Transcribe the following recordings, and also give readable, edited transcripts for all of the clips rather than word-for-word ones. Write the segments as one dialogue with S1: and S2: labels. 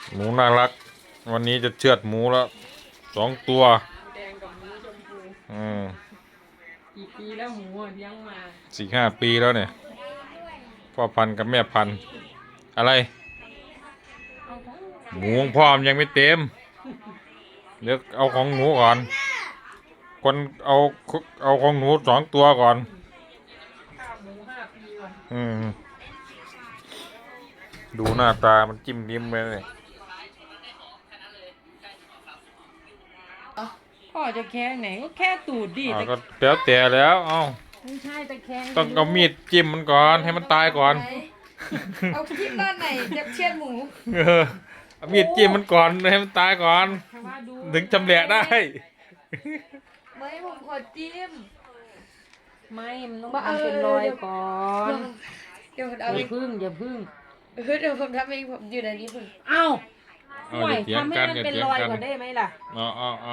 S1: หมูน่ารักวันนี้จะเชือดหมูแล้ว2 ตัว
S2: แดงกับหมูชมพู
S1: อืม
S2: กี่ปีแล้วหมูอะเลี้ยงมา
S1: 4-5 ปีแล้วเนี่ยพ่อพันธุ์กับแม่พันธุ์อะไร
S2: เอาของ
S1: หมูของพ่อมันยังไม่เต็มเดี๋ยวเอาของหนูก่อนคนเอาของหนู2 ตัวก่อน
S2: ข้าวหมู5 ปีก่อน
S1: อืมดูหน้าตามันจิ้มลิ้มไปเลย
S2: พ่อจะแค่ไหนก็แค่ตูดดิแต่
S1: ก็แล้วแต่แล้วเอ้า
S2: ไม่ใช่ตะแคง
S1: ต้องเอามีดจิ้มมันก่อนให้มันตายก่อน
S3: เอาคลิปด้านไหนจะเชือดหมู
S1: เออเอามีดจิ้มมันก่อนให้มันตายก่อน
S2: แต่ว่าดู
S1: ถึงจำแหละได้
S3: ไม่ผมขอจิ้ม
S2: ไม่มันต้องทำเป็นรอยก่อน
S3: เดี๋ยวผม
S2: อ
S3: เอาเอง
S2: ย่าพึ่งอย่าพึ่ง
S3: เดี๋ยวผมทำเองผมอยู่ในนี้ผม
S2: เอ้า
S1: เอา
S2: ห่วย
S1: อย่าเถียง
S2: ทำให้
S1: กัน
S2: มัน
S1: อย่า
S2: เป็น
S1: เถียง
S2: รอย
S1: กัน
S2: ก่อนได้ไหมล่ะ
S1: เอา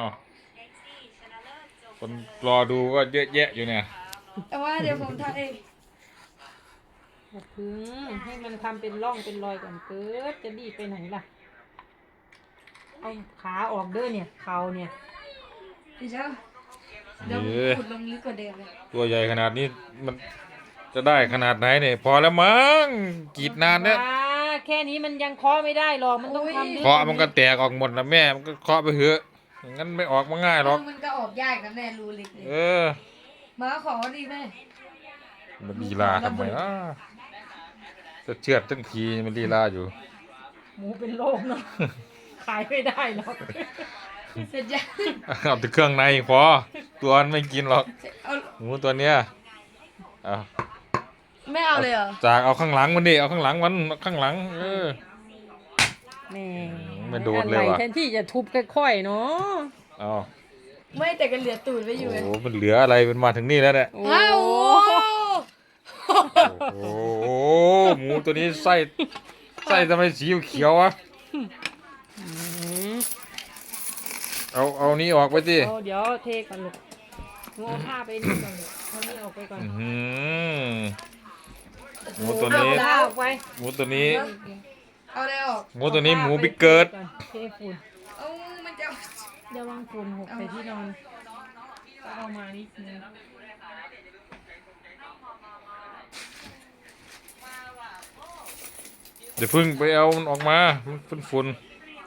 S1: คนรอดูก็เยอะแยะอยู่เนี่ย
S3: แต่ว่าเดี๋ยวผมทำเอง
S2: อย่าพึ่งให้มันทำเป็นร่องเป็นรอยก่อนเกิดจะรีบไปไหนล่ะเอาขาออกเด้อเนี่ยเข่าเนี่ย
S3: พี่เจ้าเดี๋ยว
S1: เย้
S3: ขุดลงลึกกว่าเดิมเลย
S1: ตัวใหญ่ขนาดนี้มันจะได้ขนาดไหนเนี่ยพอแล้วมั้งกรีดนานเนี่ย
S2: อ่าแค่นี้มันยังเคาะไม่ได้หรอกมันต้องทำ
S1: เคาะมันก็แตกออกหมดนะแม่มันก็เคาะไปเถอะอย่างนั้นไม่ออกมาง่ายหรอก
S3: มันก็ออกยากนะแม่รูเล็กเลย
S1: เออ
S3: มาขอดีแม่
S1: มันลีลาทำไมนะจะเชือดทั้งทีมันลีลาอยู่
S2: หมูเป็นโรคเนาะ ขายไม่ได้หรอก
S3: เสร็จยัง
S1: เอาแต่เครื่องในพอตัวมันไม่กินหรอก
S3: เอา
S1: หมูตัวเนี้ยเอา
S3: ไม่เอาเลยเหรอ
S1: จากเอาข้างหลังมันดิเอาข้างหลังมันข้างหลังเออ
S2: แม่
S1: ไม่โดนเลยว่ะ
S2: แทนที่จะทุบค่อยๆเนาะ
S1: เอา
S3: ไม่แต่ก็เหลือตูดไว้อยู่ไง
S1: โอ้มันเหลืออะไรมันมาถึงนี่แล้วเนี่ย
S2: โอ้
S3: อ้าว
S1: โอ้โหหมูตัวนี้ไส้ทำไมสีเขียวๆวะ
S2: อืม
S1: เอานี้ออกไปสิ
S2: เดี๋ยวเทก่อนลูกหนูเอาผ้าไปนี่ก่อนลูกเอานี่ออกไปก่อน
S1: อื้อหือหมูตัวนี้
S2: เอาผ้าออกไป
S1: หมูตัวนี้
S3: เอาเลยออก
S1: หมูตัวนี้หมูบิ๊กเกิด
S2: เทฝุ่น
S3: เอามันจะ
S2: เดี๋ยววางฝุ่นหกใส่ที่นอนก็เอามานิดนึง
S1: เดี๋ยวพึ่งไปเอามันออกมามันฝุ่น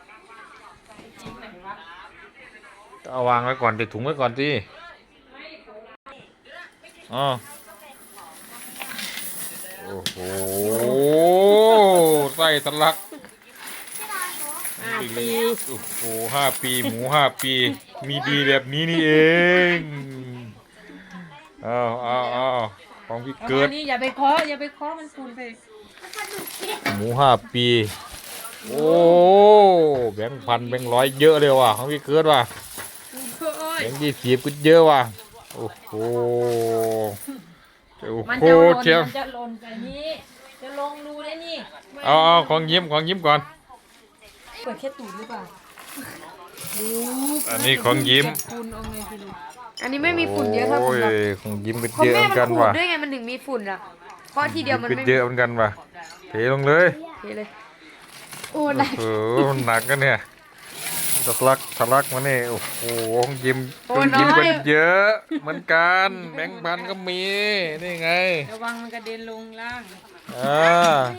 S1: ๆเอาวางไว้ก่อนเดี๋ยวถุงไว้ก่อนสิอ๋อโอ้โหไส้ทะลัก
S2: 5 ปี
S1: โอ้โห5 ปีหมู5 ปีมีดีแบบนี้นี่เอง เอาของพี่
S2: เอา
S1: เกิ
S2: มา
S1: ด
S2: นี่อย่าไปเคาะอย่าไปเคาะมันฝุ่นไป
S1: หมู5 ปีโอ้แบงค์พันแบงค์ร้อยเยอะเลยว่ะของพี่เกิดว่ะแบงค์20ก็เยอะว่ะโอ้โหโอ้
S2: มัน
S1: โห
S2: จะหล่น
S1: เชียว
S2: มันจะหล่นไปนี้จะลงรูได้นี่
S1: เอาของยิ้มก่อน
S3: เปิดแค่ตูดหรือเปล่า
S2: ดู
S1: อันนี้ของยิ้ม
S2: เก็บฝุ่นเอาไงสิลูก
S3: อันนี้ไม่มีฝุ่นเยอะเท่าผมหรอก
S1: โอ้ยของยิ้มก็
S3: เพราะ
S1: เยอะ
S3: แม่
S1: เหมือน
S3: มั
S1: กัน น
S3: ขูด
S1: ว่ะ
S3: ด้วยไงมันถึงมีฝุ่นอ่ะเพราะทีเดียวมัน
S1: ก็
S3: ไม่
S1: เยอะเหมือนกันว่ะเทลงเลย
S3: เทเลยโอ้หนัก
S1: โอ้โหหนักกันเนี่ยทะลักมาเนี่ยโอ้โหของยิ้มก็เยอะเหมือนกันแบงค์พันก็มีนี่ไง
S2: ระวังมันกระเด็นลงล่าง
S1: อ่า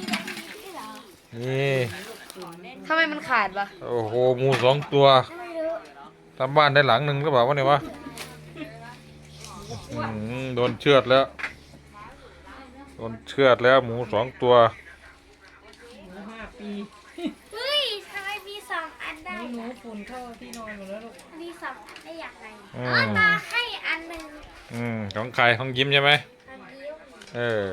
S1: นี่
S3: ทำไมมันขาดวะ
S1: โอ้โหหมู2 ตัวทำบ้านได้หลังหนึ่งก็บอกว่าเนี่ยวะโดนเชือดแล้วหมู2 ตัว
S2: หมู5 ปี
S4: เฮ้ยทำไมมีสองอันได้
S2: นี่หนูฝุ่นเข้าที่นอนหมดแล้วลูก
S4: มีสองอันได้อย่างไร
S1: อื
S4: อ๋อ
S1: ม
S4: ตาให้อันหนึ่ง
S1: ของใครของยิ้มใช่ไหม
S4: อันเดียว
S1: เออ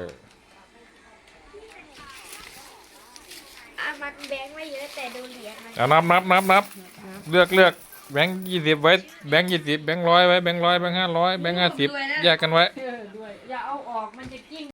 S4: มันแบงค์ไม่เยอะแต่ดูเหรียญมัน
S1: เอานับเลือกแบงค์20ไว้แบงค์20แบงค์100ไว้แบงค์100แบงค์500แบงค์50แยกกันไว้
S2: ด้วยอย่าเอาออกมันจะกิ้ง